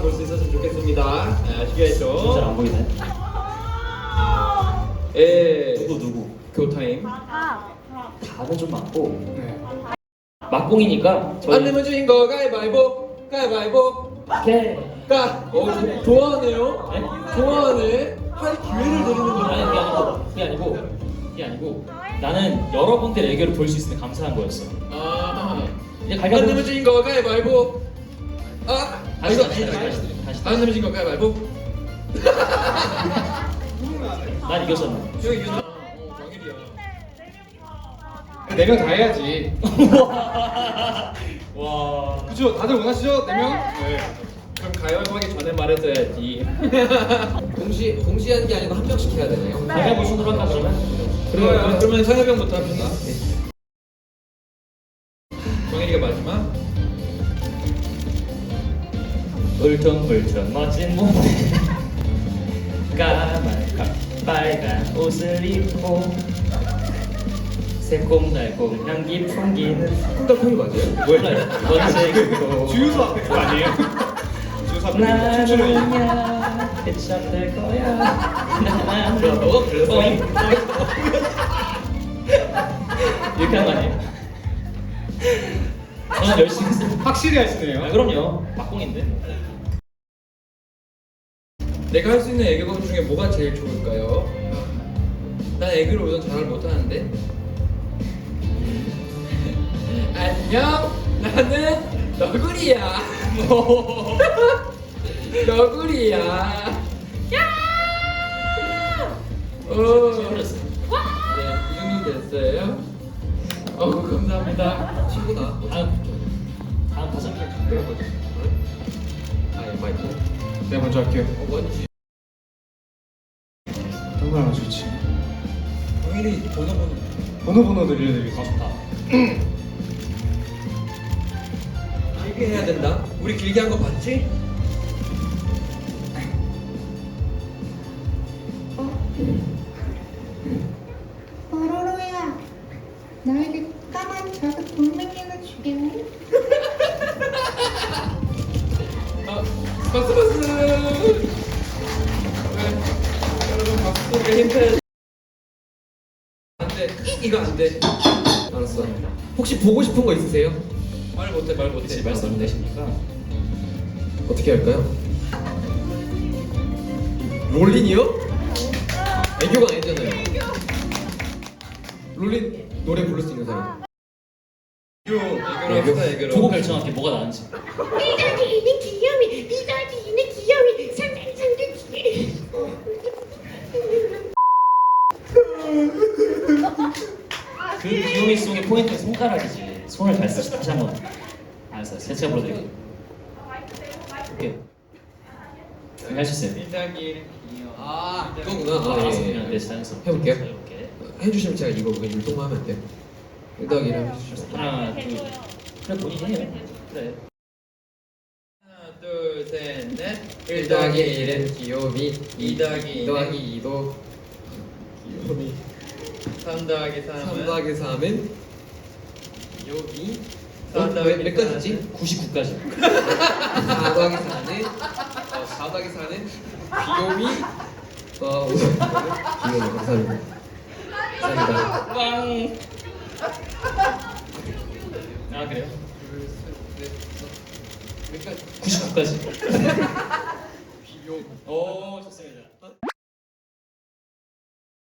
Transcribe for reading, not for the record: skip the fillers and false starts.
볼 수 있었으면 좋겠습니다. 아시겠죠? 잘 안 보이네. 예. 누구? 교타임. 답은 좀 맞고 네. 막공이니까 저희 안 내면 주인 거 가위바위보. 가위바위보. 오케이. 좋아하네요. 네? 좋아하네. 할 기회를 드리는 아니 거야. 그게 아니고 나는 여러분들의 애교를 볼 수 있으니 감사한 거였어. 아. 이제 안 갈가보. 내면 주인 거 가위바위보. 다시 이거 다시 아니다. 다시. 안 내면 주인 거 가위바위보. 난 이겼었나? 형이 이겼나? 광일이야. 4명 다 해야지. 와. 그죠? 다들 원하시죠? 4명? 네. 그럼 가위바위보 하기 전에 말했어야지. 동시에 하는 게 아니고 한 명씩 해야 되나요? 갈가보 순으로 할까 그러면? 그러면 상엽형부터 합시다. 광일이가 마지막. 울퉁불퉁 멋진 몸에 까만 빨간 옷을 입고 새콤달콤 향기 풍기는 콩달콩이 맞아요? 몰라요. 원색으로 주유소 앞에 그거 아니에요? 주유소 앞에 춤추는 거. 나는야 해참될 거야. 나는 야, 너가 그랬어? 이렇게 하는 거 아니에요? 저는 열심히 했어요. 확실히 하시네요. 아, 그럼요. 막공인데. 내가 할 수 있는 애교가 중에 뭐가 제일 좋을까요? 난 애교를 우선 잘 못하는데. 안녕, 나는 너구리야. 너구리야. 야! 틀렸어요. 네, 이 정도 됐어요. 감사합니다. 친구다. 다음 가자. 마이크. 내가 먼저 할게요. 뭔지. 어떤 걸 하면 좋지? 광일이 전화번호. 번호 들려드리겠습니다. 길게 해야 된다. 우리 길게 한 거 봤지? 뽀로로야, 나에게 까만 작은 돌멩이를 주겠니? 박수. 여러분 박수 소리가 힌트. 안 돼. 이거 안 돼. 알았어. 혹시 보고 싶은 거 있으세요? 말 못해. 말씀 안 되십니까? 어떻게 할까요? 롤린이요? 애교가 아니잖아요. 롤린 노래 부를 수 있는 사람. 애교로 합시다. 애교로. 보고 결정할게 뭐가 나은지. 삐져지는 귀염이, 삐져지는 귀염이, 상상상상기. 그 귀요미 송의 포인트 손가락이지. 손을 잘 쓰시. 다시 한번. 알았어. 제가 불러드릴게요. 오케이. 할수 있어요. 일단기. 이거구나. 아, 예. 네, 자연스럽게. 해볼게요. 해볼게. 해주시면 제가 이거 그냥 율동만 하면 돼요. 1더하기를 해주시면. 하나, 둘. 그래 본인이 해요. 그래. 하나, 둘, 셋, 넷. 1 더하기 1은 귀요미, 2 더하기 2 더하기 2도 귀요미, 3 더하기 3은 3 더하기 3은 귀요미. 4 더하기 몇 가지지? 99까지. 4 더하기 4는 4 더하기 4는 귀요미. 5 더하기 4는 귀요미. 감사합니다. 감사합니다. 빵. 아 그래요? 몇 가지? 99까지. 귀요미. 오 좋습니다.